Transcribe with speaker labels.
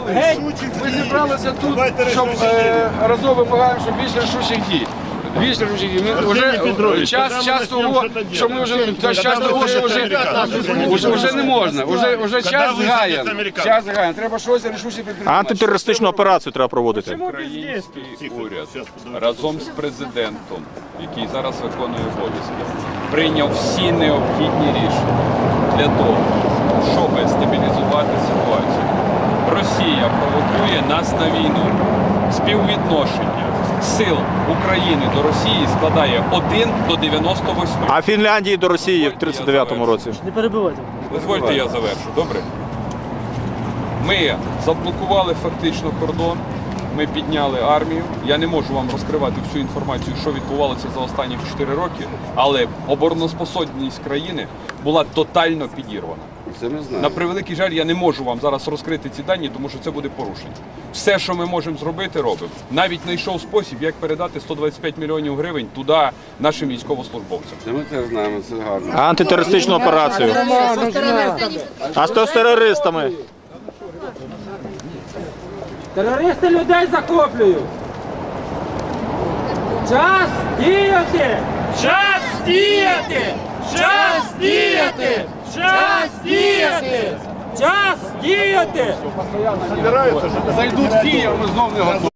Speaker 1: зібрались? Ми зібралися тут, щоб разом вимагаємо, щоб більше рішучих дій. Більше рішучих дій. Ми вже час того, що ми вже не можна. Вже час згаян. Треба щось рішуче підтримати.
Speaker 2: Антитерористичну операцію треба проводити.
Speaker 3: Український уряд разом з президентом, який зараз виконує обов'язки, прийняв всі необхідні рішення для того, щоб стабілізувати ситуацію. Росія провокує нас на війну. Співвідношення сил України до Росії складає 1 до 98.
Speaker 2: А Фінляндії до Росії в 39-му році.
Speaker 4: Не перебивайте.
Speaker 3: Дозвольте, я завершу, добре? Ми заблокували фактично кордон, ми підняли армію. Я не можу вам розкривати всю інформацію, що відбувалося за останні 4 роки, але обороноспособність країни була тотально підірвана.
Speaker 1: Це ми знаємо.
Speaker 3: На превеликий жаль, я не можу вам зараз розкрити ці дані, тому що це буде порушення. Все, що ми можемо зробити, робимо. Навіть знайшов спосіб, як передати 125 мільйонів гривень туди нашим військовослужбовцям.
Speaker 1: Це ми це знаємо, це гарно.
Speaker 2: Антитерористичну операцію. А з терористами?
Speaker 4: Терористи людей захоплюють! Час діяти! Час діяти! Час діяти! Час діяти! Час діяти!
Speaker 1: Зайдуть в Київ, ми знов не готові.